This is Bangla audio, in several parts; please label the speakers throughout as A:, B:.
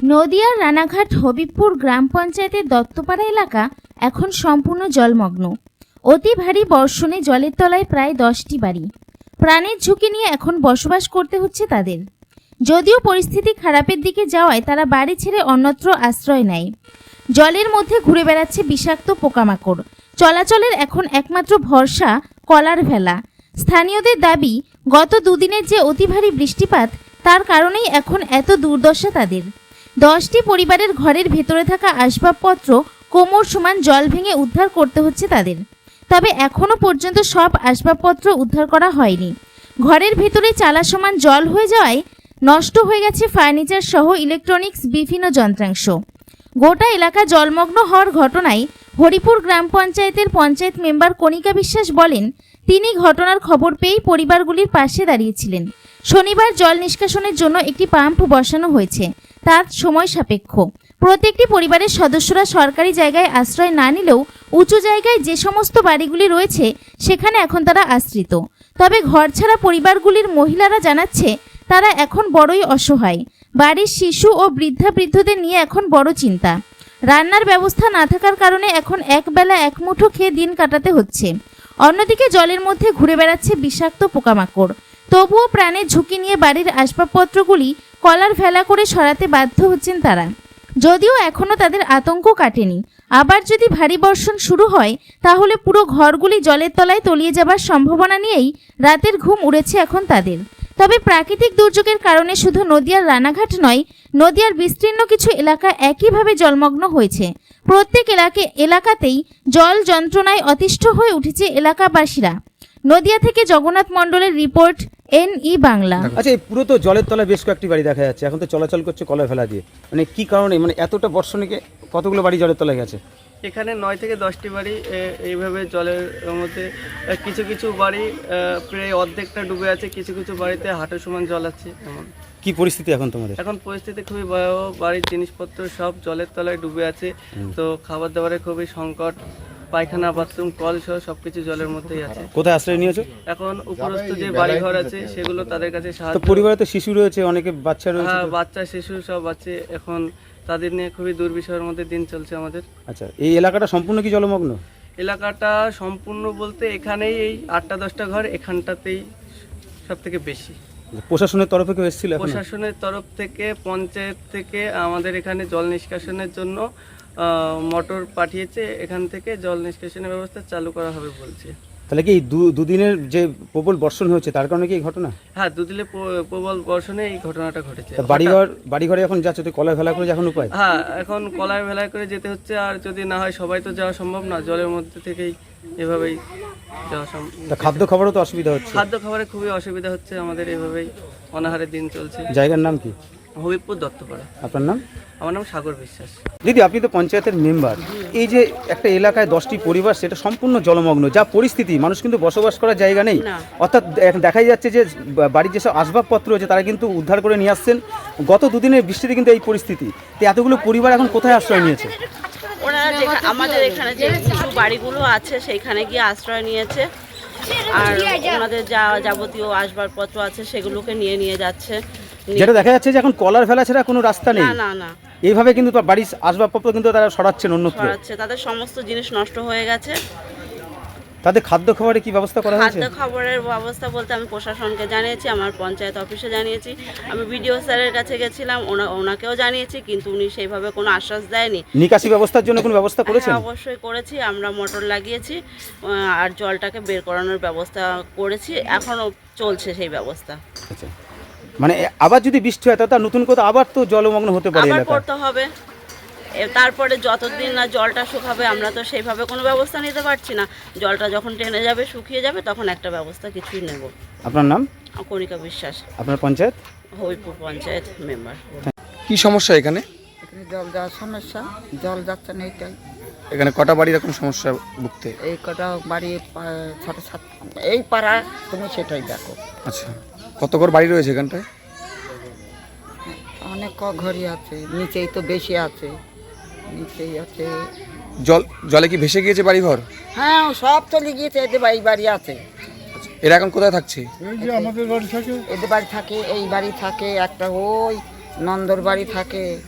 A: নদিয়ার রানাঘাট হবিবপুর গ্রাম পঞ্চায়েতের দত্তপাড়া এলাকা এখন সম্পূর্ণ জলমগ্ন। অতি ভারী বর্ষণে জলের তলায় প্রায় 10টি বাড়ি। প্রাণের ঝুঁকি নিয়ে এখন বসবাস করতে হচ্ছে তাদের। যদিও পরিস্থিতি খারাপের দিকে যাওয়ায় তারা বাড়ি ছেড়ে অন্যত্র আশ্রয় নেয়। জলের মধ্যে ঘুরে বেড়াচ্ছে বিষাক্ত পোকামাকড়। চলাচলের এখন একমাত্র ভরসা কলার ভেলা। স্থানীয়দের দাবি, গত দুদিনের যে অতি ভারী বৃষ্টিপাত তার কারণেই এখন এত দুর্দশা তাদের। 10টি পরিবারের ঘরের ভেতরে থাকা আসবাবপত্র কোমর সমান জল ভেঙে উদ্ধার করতে হচ্ছে তাদের। তবে এখনও পর্যন্ত সব আসবাবপত্র উদ্ধার করা হয়নি। ঘরের ভেতরে চালা সমান জল হয়ে যাওয়ায় নষ্ট হয়ে গেছে ফার্নিচার সহ ইলেকট্রনিক্স বিভিন্ন যন্ত্রাংশ। গোটা এলাকা জলমগ্ন হওয়ার ঘটনায় হরিপুর গ্রাম পঞ্চায়েতের পঞ্চায়েত মেম্বার কণিকা বিশ্বাস বলেন, তিনি ঘটনার খবর পেয়েই পরিবারগুলির পাশে দাঁড়িয়েছিলেন। শনিবার জল নিষ্কাশনের জন্য একটি পাম্প বসানো হয়েছে, তার সময় সাপেক্ষ। প্রত্যেকটি পরিবারের সদস্যরা সরকারি জায়গায় আশ্রয় না নিলেও উঁচু জায়গায় যে সমস্ত বাড়িগুলি রয়েছে সেখানে এখন তারা আশ্রিত। তবে ঘরছাড়া পরিবারগুলির মহিলারা জানাচ্ছে তারা এখন বড়ই অসহায়। বাড়ির শিশু ও বৃদ্ধদের নিয়ে এখন বড় চিন্তা। রান্নার ব্যবস্থা না থাকার কারণে এখন একবেলা এক মুঠো খেয়ে দিন কাটাতে হচ্ছে। অন্যদিকে জলের মধ্যে ঘুরে বেড়াচ্ছে বিষাক্ত পোকামাকড়। তবুও প্রাণের ঝুঁকি নিয়ে বাড়ির আসবাবপত্রগুলি কলার ভেলা করে সরাতে বাধ্য হচ্ছেন তারা। যদিও এখনও তাদের আতঙ্ক কাটেনি। আবার যদি ভারী বর্ষণ শুরু হয় তাহলে পুরো ঘরগুলি জলের তলায় তলিয়ে যাবার সম্ভাবনা নিয়েই রাতের ঘুম উড়েছে এখন তাদের। তবে প্রাকৃতিক দুর্যোগের কারণে শুধু নদিয়ার রানাঘাট নয়, নদিয়ার বিস্তীর্ণ কিছু এলাকা একইভাবে জলমগ্ন হয়েছে। প্রত্যেক এলাকাতেই জল যন্ত্রণায় অতিষ্ঠ হয়ে উঠেছে এলাকাবাসীরা। নদিয়া থেকে জগন্নাথ মণ্ডলের রিপোর্ট, NE বাংলা।
B: আচ্ছা, এই পুরো তো জলের তলায় বেশ কয়েকটি বাড়ি দেখা যাচ্ছে, এখন তো চলাচল করছে কলার ফেলা দিয়ে। মানে কি কারণে, মানে এতটা বর্ষণে কতগুলো বাড়ি জলের তলায় গেছে?
C: এখানে 9 থেকে 10টি বাড়ি এইভাবে জলের মধ্যে। কিছু কিছু বাড়ি প্রায় অর্ধেকটা ডুবে আছে, কিছু কিছু বাড়িতে হাঁটু সমান জল আছে। এমন
B: কি পরিস্থিতি এখন তোমাদের?
C: এখন পরিস্থিতি খুবই ভয়াবহ। বাড়ির জিনিসপত্র সব জলের তলায় ডুবে আছে। তো খাবার দাবারের খুবই সংকট। পায়খানা, বাথরুম, কল সহ সবকিছু জলের মধ্যেই আছে।
B: কোথায় আশ্রয় নিয়েছো?
C: এখন উপরস্থ যে বাড়ি ঘর আছে সেগুলো তাদের কাছে সাহায্য।
B: পরিবারে তো শিশু রয়েছে, অনেকে বাচ্চা রয়েছে।
C: হ্যাঁ, বাচ্চা শিশু সব আছে। এখন তাদের নিয়ে খুবই দুর্বিষহের মধ্যে দিন চলছে আমাদের।
B: আচ্ছা, এই এলাকাটা সম্পূর্ণ কি জলমগ্ন?
C: এলাকাটা সম্পূর্ণ বলতে এখানেই এই 8টা-10টা ঘর এখানটাতেই সব থেকে বেশি।
B: প্রশাসনের তরফে কেউ এসেছিল?
C: প্রশাসনের তরফ থেকে, পঞ্চায়েত থেকে আমাদের এখানে জল নিষ্কাশনের জন্য মোটর পাঠিয়েছে। এখান থেকে জল নিষ্কাশনের ব্যবস্থা চালু করা হবে বলছে।
B: তাহলে কি এই দুদিনের যে প্রবল বর্ষণ হয়েছে তার কারণে কি এই ঘটনা?
C: হ্যাঁ, দুদিনে প্রবল বর্ষণে এই ঘটনাটা ঘটেছে।
B: বাড়িঘরে এখন যাচ্ছে তো কলার ভেলা করে এখন উপায়?
C: হ্যাঁ, এখন কলার ভেলায় করে যেতে হচ্ছে। আর যদি না হয় সবাই তো যাওয়া সম্ভব না, জলের মধ্যে থেকেই এভাবেই যাওয়া সম্ভব।
B: খাদ্য খাবারও তো অসুবিধা হচ্ছে?
C: খাদ্য খাবারে খুবই অসুবিধা হচ্ছে আমাদের, এভাবেই অনাহারে দিন চলছে।
B: জায়গার নাম কি?
C: হবিবপুর দত্তপাড়া।
B: আপনার নাম?
C: আমার নাম সাগর বিশ্বাস।
B: দিদি, আপনি তো পঞ্চায়েতের মেম্বার। এই যে একটা এলাকায় 10টি পরিবার, সেটা সম্পূর্ণ জলমগ্ন, যা পরিস্থিতি, মানুষ কিন্তু বসবাস করার জায়গা নেই। অর্থাৎ দেখাই যাচ্ছে যে বাড়ির যেসব আসবাবপত্র আছে তারা কিন্তু উদ্ধার করে নিয়ে আসছেন। গত দুদিনের বৃষ্টিতে কিন্তু এই পরিস্থিতি। তো এতগুলো পরিবার এখন কোথায় আশ্রয় নিয়েছে?
D: ওরা আমাদের এখানে যে কিছু বাড়িগুলো আছে সেইখানে গিয়ে আশ্রয় নিয়েছে। আর ওনাদের যা যাবতীয় আসবাবপত্র আছে সেগুলোকে নিয়ে যাচ্ছে।
B: যেটা দেখা যাচ্ছে যে এখন কলার ফেলা ছাড়া কোনো রাস্তা নেই।
D: না
B: এইভাবে কিন্তু বাড়ির আসবাবপত্র কিন্তু তারা সরাচ্ছেন অন্যত্র।
D: তাদের সমস্ত জিনিস নষ্ট হয়ে গেছে।
B: তাদের খাদ্য খাবারে কি ব্যবস্থা করা হয়েছে?
D: খাদ্য খাবারের ব্যবস্থা বলতে আমি প্রশাসনকে জানিয়েছি, আমার পঞ্চায়েত অফিসে জানিয়েছি, আমি বিডিও স্যারের কাছে গেছিলাম, ওনাকেও জানিয়েছি, কিন্তু উনি সেইভাবে কোনো আশ্বাস দেয়নি।
B: নিকাশি ব্যবস্থার জন্য কোনো ব্যবস্থা করেছেন?
D: অবশ্যই করেছি, আমরা মোটর লাগিয়েছি আর জলটাকে বের করানোর ব্যবস্থা করেছি, এখনও চলছে সেই ব্যবস্থা।
B: আচ্ছা, মানে আবার যদি বৃষ্টি হয় তাহলে নতুন করে আবার তো জলমগ্ন হতে পারে,
D: আবার করতে হবে। তারপরে যতদিন না জলটা শুকাবে আমরা তো সেইভাবে কোনো ব্যবস্থা নিতে পারছি না। জলটা যখন টেনে যাবে, শুকিয়ে যাবে, তখন একটা ব্যবস্থা কিছুই নেব।
B: আপনার নাম?
D: কণিকা বিশ্বাস।
B: আপনার পঞ্চায়েত?
D: হবিবপুর পঞ্চায়েত মেম্বার।
B: কি সমস্যা এখানে?
E: এখানে জল যাওয়ার সমস্যা, জল যাচ্ছে না এইটাই।
B: এখানে কটা বাড়ি এরকম সমস্যা ভুগতে?
E: এই কটা বাড়ি 6-7 এই পাড়া, তুমি সেটাই দেখো।
B: আচ্ছা, কত ঘর বাড়ি রয়েছে এখানটায়?
E: অনেক ঘরই আছে, নিচেই তো বেশি আছে, নিচেই আছে।
B: জলে কি ভেসে গিয়েছে বাড়ি ঘর?
E: হ্যাঁ, সব চলে গিয়েছে। এদের বাড়ি আছে।
B: এরা এখন কোথায় থাকছে?
E: আমাদের বাড়ি থাকে, এদের বাড়ি থাকে, এই বাড়ি থাকে, একটা ওই নন্দর বাড়ি থাকে।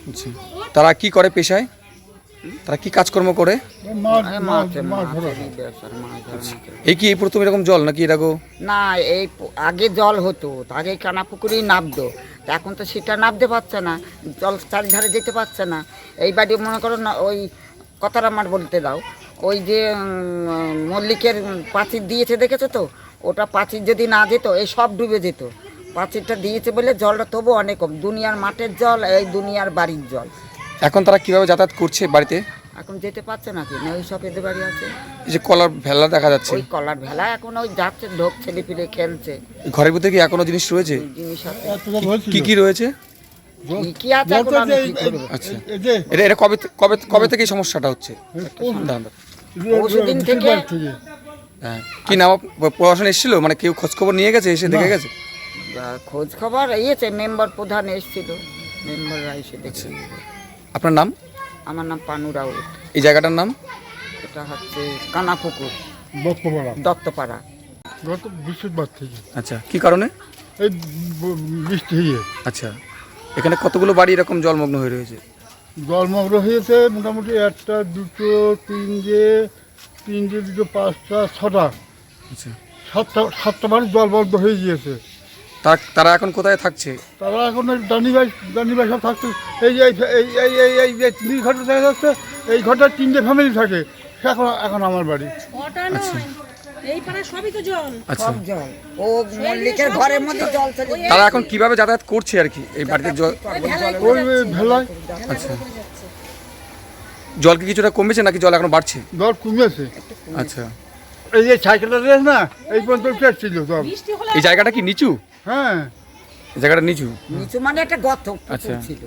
F: আচ্ছা, তারা কি করে পেশায়, তারা কি কাজকর্ম করে?
E: মাছ ধরারই ব্যবসা, মাছ ধরা।
F: এই কি এই প্রথম এরকম জল নাকি এরকম?
E: না, এই আগে জল হতো, আগে কানা পুকুরেই নাবতো, তা এখন তো সেটা নাবতে পারছে না, জল চারিধারে যেতে পারছে না। এই বাড়ি মনে করো না, ওই কথাটা আমার বলতে দাও, ওই যে মল্লিকের পাঁচির দিয়েছে দেখেছো তো, ওটা পাঁচির যদি না যেত এই সব ডুবে যেত। পাঁচিরটা দিয়েছে বলে জলটা তবু অনেক কম, দুনিয়ার মাঠের জল, এই দুনিয়ার বাড়ির জল।
F: এখন তারা কিভাবে যাতায়াত করছে বাড়িতে?
E: এখন যেতে পারছে না, কি না ওই সব এদের বাড়ি আছে,
F: এই যে কলার ভেলা দেখা যাচ্ছে,
E: ওই কলার ভেলা এখন ওই যাচ্ছে, ঢোক ছেলে পিলে খেলছে।
F: ঘরের ভিতরে কি এখনো জিনিস রয়েছে?
E: জিনিস আছে,
F: কি কি রয়েছে?
E: কি আছে এখন আমি কি করবো?
F: আচ্ছা, এটা এটা কবে কবে কবে থেকে এই সমস্যাটা হচ্ছে? দাঁড়ান, দাঁড়ান।
E: পরশুদিন থেকে।
F: হ্যাঁ, কি নাম? প্রশাসন এসেছিল, মানে কেউ খোঁজ খবর নিয়ে গেছে, এসে দেখে গেছে?
E: খোঁজ খবর ইয়েছে, মেম্বার প্রধান এসেছিল, মেম্বাররা এসে দেখছে।
F: আপনার নাম?
E: আমার নাম পানু রাউত।
F: এই জায়গাটার নাম?
E: এটা হচ্ছে কানাপুকুর, দত্তপাড়া।
G: গত বৃহস্পতিবার থেকে
F: আচ্ছা, কি কারণে?
G: এই বৃষ্টি হয়ে
F: আচ্ছা, এখানে কতগুলো বাড়ি এরকম জলমগ্ন হয়ে রয়েছে?
G: জলমগ্ন হয়েছে মোটামুটি একটা, দুটো, তিনটে, দুটো, পাঁচটা, ছটা,
F: আচ্ছা,
G: সাতটা বাড়ি জলমগ্ন হয়ে গিয়েছে।
F: তারা এখন কোথায় থাকছে?
G: তারা এখন দানিবাই সব থাকছে। এই যে এই যে তিন ঘরটা দেখা যাচ্ছে, এই ঘরটার 3টে ফ্যামিলি থাকে, এখন আমার বাড়ি।
F: আচ্ছা,
H: এই পাড়া সবই তো জল।
F: আচ্ছা,
E: সব জল, ও মল্লিকের ঘরের মধ্যে জল চলে।
F: তারা এখন কিভাবে যাতায়াত করছে আর কি এই বাড়িতে জল?
G: ওই ভেলায়
F: আচ্ছা, জল কি কিছুটা কমেছে নাকি জল এখন বাড়ছে?
G: জল কমেছে।
F: আচ্ছা,
G: এই যে সাইকেলটা রেস না, এই পর্যন্ত উঠেছিল জল।
F: এই জায়গাটা কি নিচু?
G: হ্যাঁ,
F: এই জায়গাটা নিচু?
E: নিচু মানে একটা গর্ত
F: আচ্ছা।
E: ছিল।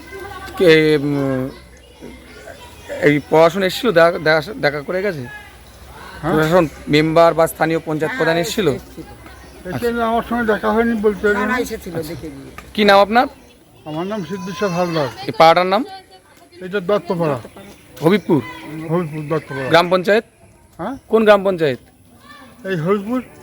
F: এই প্রশাসন এসেছিল, দেখা করে গেছে? প্রশাসন মেম্বার বা স্থানীয় পঞ্চায়েত প্রধান এসেছিল?
G: এখানে আমার সঙ্গে দেখা হয়নি বলতে পারি
E: না,
G: না।
E: এসেছিল, দেখে গিয়ে।
F: কি নাম আপনার?
G: আমার নাম সিদ্ধেশ্বর হালদার।
F: এই পাড়াটার নাম?
G: এটা দত্তপাড়া,
F: হবিবপুর
G: হরিপুর দত্তপাড়া।
F: গ্রাম পঞ্চায়েত?
G: হ্যাঁ,
F: কোন গ্রাম পঞ্চায়েত?
G: এই হরিপুর